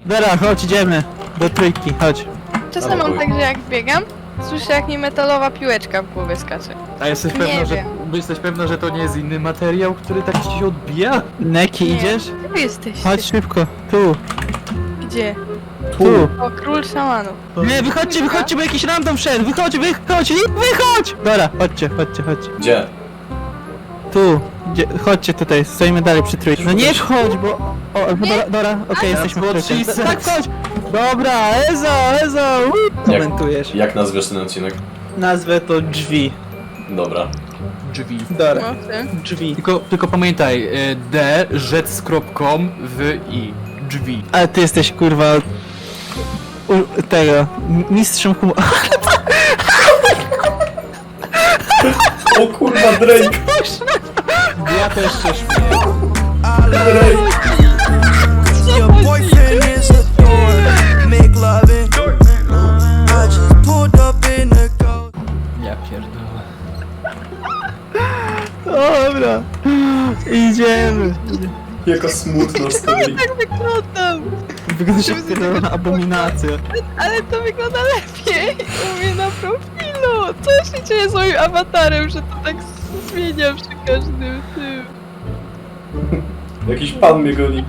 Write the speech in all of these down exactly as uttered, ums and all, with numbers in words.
Dobra, chodź, idziemy. Do trójki, chodź. Czasem mam tak, że jak biegam, słyszę jak mi metalowa piłeczka w głowie skacze. A jesteś Nie pewna, że... wiem. Jesteś pewna, że to nie jest inny materiał, który tak ci się odbija? Neki, Nie. idziesz? Gdzie wy jesteście? Chodź szybko, tu, Gdzie? tu. O, król szamanów. Nie, wychodźcie, wychodźcie, bo jakiś random wszedł. Wychodź, wychodź, wychodź! Dobra, chodźcie, chodźcie, chodźcie. Gdzie? Tu, gdzie, chodźcie tutaj, stoimy dalej przy trójce. No nie wchodź, bo... O, dobra, dobra, okej, jesteśmy w trójce. Jesus. Tak, chodź! Dobra, Ezo, Ezo! Komentujesz. Jak nazwiesz ten odcinek? Nazwę to drzwi. Dobra. Drzwi. Dobra, No, w tym. drzwi. Tylko, tylko pamiętaj, y, D, rzec z kropką, w i. Drzwi. Ale ty jesteś, kurwa... U, tego... m- mistrzem humoru. O kurwa, Drake! Ja też się śmieję. Drake! Your boyfriend is a thorn. Make loving. I just pulled up in a ghost. Ja pierdolę. Dobra. Idziemy. Jaka smutna stoi. Tak wyglądam! Wyglądasz jak pierdolona abominacja. Ale to wygląda lepiej u mnie na profilu! Co się dzieje z moim awatarem, że to tak zmienia przy każdym tym? Jakiś pan mnie goni.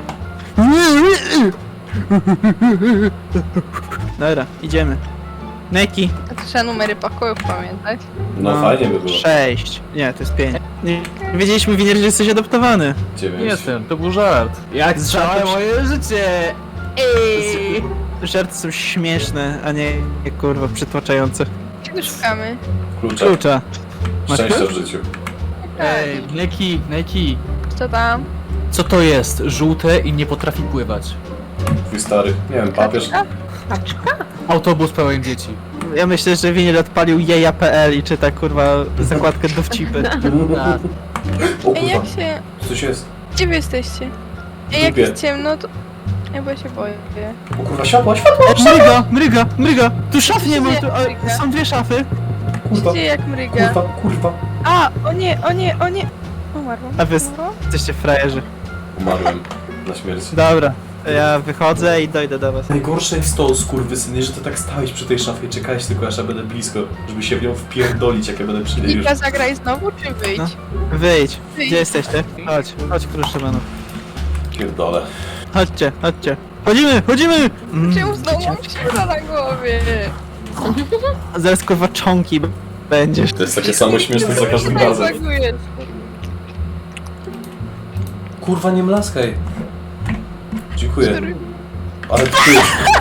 Dobra, idziemy. Neki. A to trzeba numery pokojów pamiętać. No fajnie by było. Sześć. Nie, to jest pięć. Nie, nie wiedzieliśmy, Winier, że jesteś adoptowany. Dziewięć. Nie jestem, to był żart. Jak Żart całe przy- moje życie! Ej! Żarty są śmieszne, a nie, nie kurwa przytłaczające. Czego szukamy? Klucza. Klucza. Masz Szczęścia klucz? w życiu. Ej, Neki, Neki. Co tam? Co to jest? Żółte i nie potrafi pływać. Twój stary. Nie wiem, papież. Autobus pełen dzieci. Ja myślę, że Winier odpalił jeja kropka pe el i czyta kurwa zakładkę dowcipy. A, O Ej, jak kurwa. się... Coś jest. Gdzie wy jesteście? Ej, jak Dupie. jest ciemno, to... Ja bo ja się boję. O kurwa, światła, światła! O, mryga, mryga, mryga! Tu szaf nie ma, tu, Mryga. o, są dwie szafy. Kurwa, Gdzie jak mryga? kurwa, kurwa. A! O nie, o nie, o nie! Umarłam. A wy Umarłam? jesteście frajerzy. Umarłem na śmierć. Dobra, ja wychodzę i dojdę do was. Najgorsze jest to, skurwysyny, że ty tak stałeś przy tej szafie i czekałeś tylko aż ja będę blisko, żeby się w nią wpierdolić, jak ja będę przy niej już. Nika, zagraj znowu, czy wyjdź? No. Wyjdź. Wyjdź. Gdzie jesteście? Chodź, chodź król Szymanów. Pierdolę. Chodźcie, chodźcie. Chodzimy, chodzimy! Mm, Czemu znowu mam siura na głowie? zaraz kurwa czonki b- będziesz. To jest takie samo śmieszne za każdym razem. Zaguję. Kurwa, nie mlaskaj. Dziękuję. Ale ty.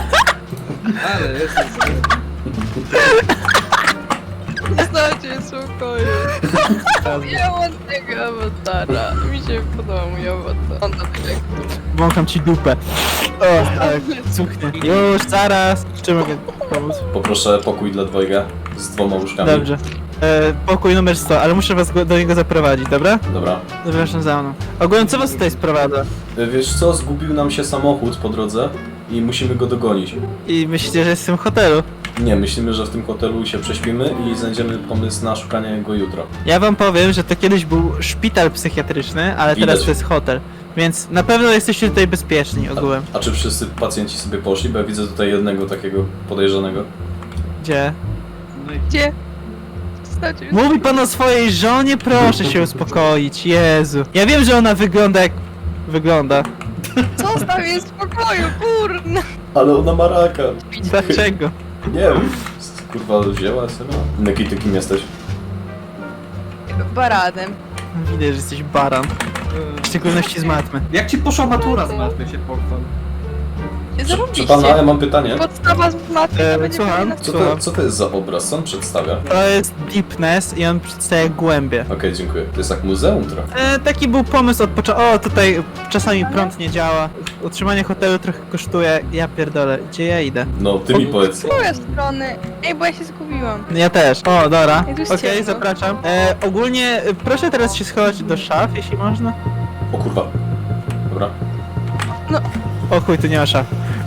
Zostawcie spokoju. Ja mam tego awatara. Mi się podoba mój awatar. On to tak jak... Wącham ci dupę. O, tak, cuchnie. Już, zaraz. Czy mogę pomóc? Poproszę pokój dla dwojga z dwoma łóżkami. Dobrze. E, pokój numer sto, ale muszę was go, do niego zaprowadzić, dobra? Dobra. Zapraszam za mną. Ogólnie co was tutaj sprowadza? Y, Wiesz co, zgubił nam się samochód po drodze i musimy go dogonić. I myślicie, że jest w tym hotelu? Nie, myślimy, że w tym hotelu się prześpimy i znajdziemy pomysł na szukanie go jutro. Ja wam powiem, że to kiedyś był szpital psychiatryczny, ale Widać. teraz to jest hotel. Więc na pewno jesteście tutaj bezpieczni ogółem. A czy wszyscy pacjenci sobie poszli? Bo ja widzę tutaj jednego takiego podejrzanego. Gdzie? Gdzie? Zostawcie mnie. Mówi pan o swojej żonie? Proszę się uspokoić, Jezu. Ja wiem, że ona wygląda jak... wygląda. Zostaw mnie w spokoju, kurna! Ale ona ma raka. Dlaczego? Nie wiem. Kurwa, wzięła sobie. Neki, ty kim jesteś? Baradem. Widać, że jesteś baran. W szczególności z matmy. jak ci poszła matura z matmy się pochwal? Nie Czy zarobiście. pana, ja mam pytanie. Podstawa z matmy E, to będzie słucham? powinna... Co to, co to jest za obraz? Co on przedstawia? Okej, To jest deepness i on przedstawia głębie. dziękuję. To jest jak muzeum trochę. E, taki był pomysł od początku. O, tutaj czasami prąd nie działa. Utrzymanie hotelu trochę kosztuje. Ja pierdolę, gdzie ja idę? No, ty mi powiedz. Z której strony? Ej, bo ja się zgubiłam. Ja też. O, dobra. Jak tu jest Okej, ciemno. zapraszam. E, ogólnie e, proszę teraz się schować do szaf, jeśli można. O kurwa. Dobra. O chuj, tu nie ma szaf.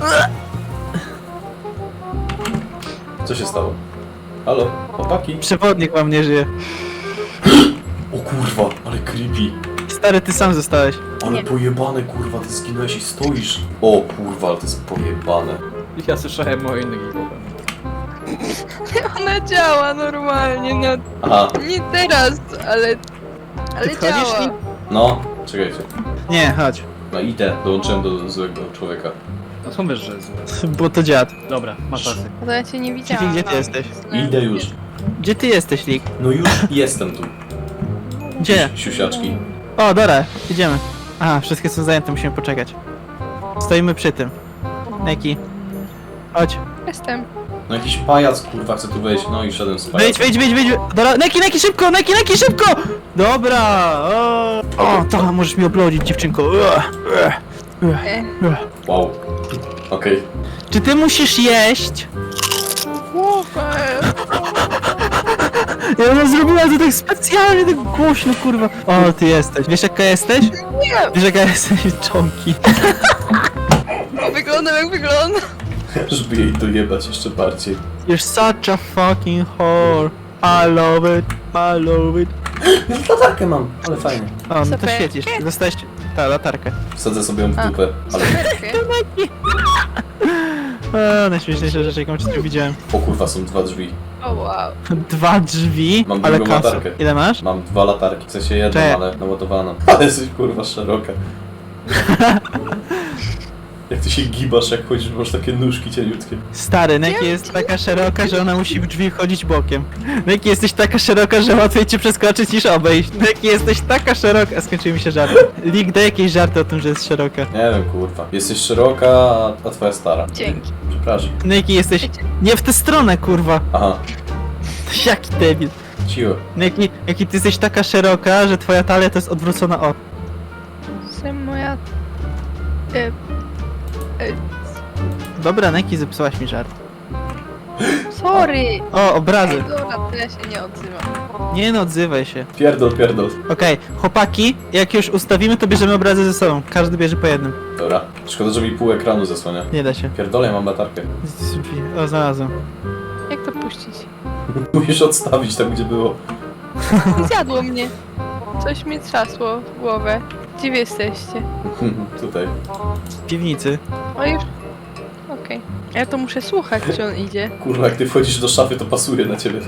Co się stało? Halo? Chłopaki? Przewodnik wam nie żyje. O kurwa, ale creepy. Stary, ty sam zostałeś. Ale Nie. pojebane, kurwa, ty zginąłeś i stoisz. O kurwa, ale to jest pojebane. Ja słyszałem o innych głowach. Ona działa normalnie, no Aha, nie teraz, ale... Ale Ty wchodzisz, działa. Lee? no, czekajcie. Nie, chodź. No idę, dołączyłem do złego człowieka. No są wiesz, że złe. Bo to dziad. Dobra, masz rację. No to ja cię nie widziałam. Gdzie ty jesteś? Idę już. Gdzie ty jesteś, Lik? No już jestem tu. Gdzie? Siusiaczki. O, dobra, idziemy. Aha, wszystkie są zajęte, musimy poczekać. Stoimy przy tym. Neki. Chodź. Jestem. No jakiś pajac, kurwa, chce tu wejść. No i szedłem z pajacem. Wyjdź, wyjdź, wyjdź, wyjdź. Dobra, Neki, Neki, szybko, Neki, Neki, szybko! Dobra, o, o to możesz mi oblodzić, dziewczynko. Ua, ua, ua, E. ua. Wow. Okej. Czy ty musisz jeść? Ja ona zrobiła to tak specjalnie, tak głośno, kurwa. O, ty jesteś. Wiesz jaka jesteś? Nie, Wiesz jaka jesteś? Czonki. wyglądam jak wygląda. Żeby jej dojebać jeszcze bardziej. You're such a fucking whore. I love it, I love it. Już latarkę mam, ale fajnie. O, no to Super. świecisz. Dostałeś ta latarkę. Wsadzę sobie ją w A. dupę, ale... O, najśmieszniejsza rzecz, jaką przed widziałem. O kurwa, są dwa drzwi. O wow. Dwa drzwi, Mam ale drugą kasy. latarkę. Ile masz? Mam dwa latarki, w sensie jedną, Cześć. ale naładowaną. Ale jesteś kurwa szeroka. Jak ty się gibasz, jak chodzisz, masz takie nóżki cieniutkie. Stary, Neki jest taka szeroka, że ona musi w drzwi wchodzić bokiem. Neki jesteś taka szeroka, że łatwiej cię przeskoczyć niż obejść. Neki jesteś taka szeroka... Skończyły mi się żarty. Lig, daj jakieś żarty o tym, że jest szeroka. Nie wiem, kurwa. Jesteś szeroka, a- a twoja stara. Dzięki. Przepraszam. Neki jesteś... Nie w tę stronę, kurwa. Aha, Jaki debil. cicho. Neki, Neki, ty jesteś taka szeroka, że twoja talia to jest odwrócona o... Jestem moja... E, Dobra, Neki, zepsułaś mi żart. sorry. O, obrazy. Ej, dobra, to ja się nie odzywam. Nie no, odzywaj się. Pierdol, pierdol. Okej, chłopaki, jak już ustawimy, to bierzemy obrazy ze sobą. Każdy bierze po jednym. Dobra. Szkoda, że mi pół ekranu zasłania. Nie da się. Pierdolę, ja mam latarkę. O, znalazłem. Jak to puścić? Musisz odstawić tam, gdzie było. Zjadło mnie. Coś mi trzasło w głowę. Gdzie wy jesteście? Tutaj. W piwnicy. O już... Okej. Ja to muszę słuchać, czy on idzie. Kurwa, jak ty wchodzisz do szafy, to pasuje na ciebie.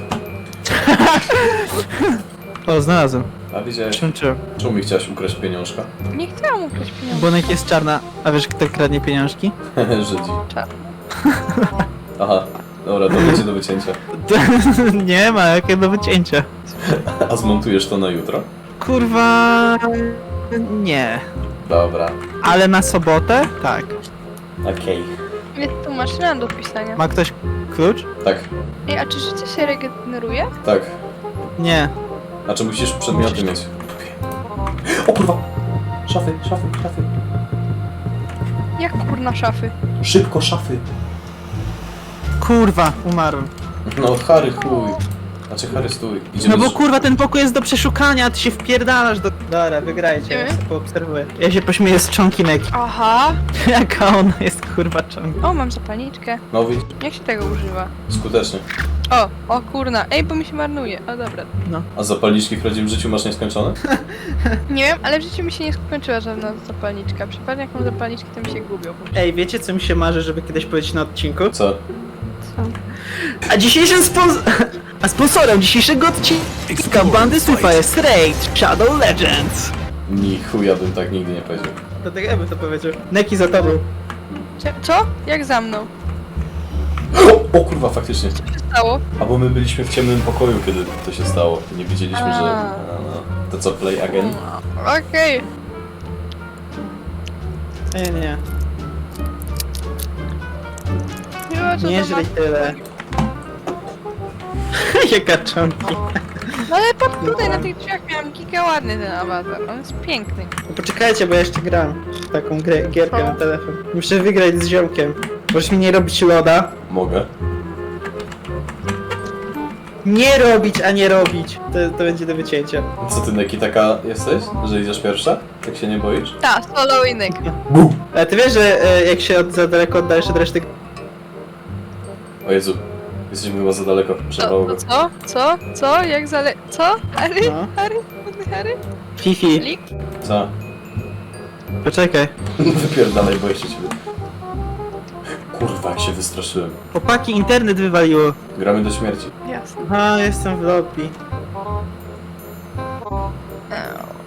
O, znalazłem. A widziałeś? Przemczyłem. Czemu mi chciałaś ukraść pieniążka? Nie chciałam ukraść pieniędzy. Bonek jest czarna. A wiesz, kto kradnie pieniążki? Żydzi. Czar. Aha. Dobra, to będzie do wycięcia. Nie ma, jakie do wycięcia. A zmontujesz to na jutro? Kurwa... Nie. Dobra. Ale na sobotę? Tak. Okej. Jest tu maszyna do pisania. Ma ktoś klucz? Tak, Ej, a czy życie się regeneruje? tak. Nie. Znaczy musisz przedmioty mieć. O kurwa! Szafy, szafy, szafy. Jak kurna szafy? Szybko, szafy. Kurwa, umarłem. No, Harry, chuj. Znaczy, Harry, stój. Idziemy No bo z- kurwa, ten pokój jest do przeszukania, a ty się wpierdalasz do... Dobra, wygrajcie, ja Idziemy? sobie poobserwuję. Ja się pośmieję z czonki Neki. Aha! Jaka ona jest kurwa czonki. O, mam zapalniczkę. No, widzisz? Jak się tego używa? Skutecznie. O, o kurna. Ej, bo mi się marnuje. O, dobra. A zapalniczki w prawdziwym życiu masz nieskończone? Nie wiem, ale w życiu mi się nie skończyła żadna zapalniczka. Przypadnie jak mam zapalniczki, to mi się gubią. Ej, wiecie co mi się marzy, żeby kiedyś powiedzieć na odcinku? Co? Co? A dzisiejszym spons... A sponsorem dzisiejszego odcinka bandy Sufa jest Raid Shadow Legends. Ni chuja bym tak nigdy nie powiedział. Dlatego ja bym to powiedział. Neki za tobą. Cze- Co? Jak za mną? O, o kurwa, faktycznie. Co się stało? A bo my byliśmy w ciemnym pokoju, kiedy to się stało. Nie wiedzieliśmy, że... A. No, no. To co, play again? Okej. Nie, nie. Miło, że Nie to źle ma- tyle. Jaka czonki. No ale patrz tutaj, na tych drzwiach miałam giga ładny ten awatar. On jest piękny. No poczekajcie, bo ja jeszcze gram w taką grę, gierkę O. na telefon. Muszę wygrać z ziomkiem. Możesz mi nie robić loda. Mogę. Nie robić, a nie robić. To, to będzie do wycięcia. Co ty, Neki, taka jesteś? Że idziesz pierwsza? Tak się nie boisz? Ta, solo innyk. Bum! Ale ty wiesz, że e, jak się od, za daleko oddalisz od reszty... O Jezu. Jesteśmy chyba za daleko. Co? Przerwało go. Co? Co? Co? Jak zale... Co? Harry? No. Harry? Harry? Fifi, Lik? Co? poczekaj. Wypierdalaj, boję się ciebie. Kurwa, jak się wystraszyłem. Chłopaki, internet wywaliło. Gramy do śmierci. Jasne. A, jestem w lobby. Eee.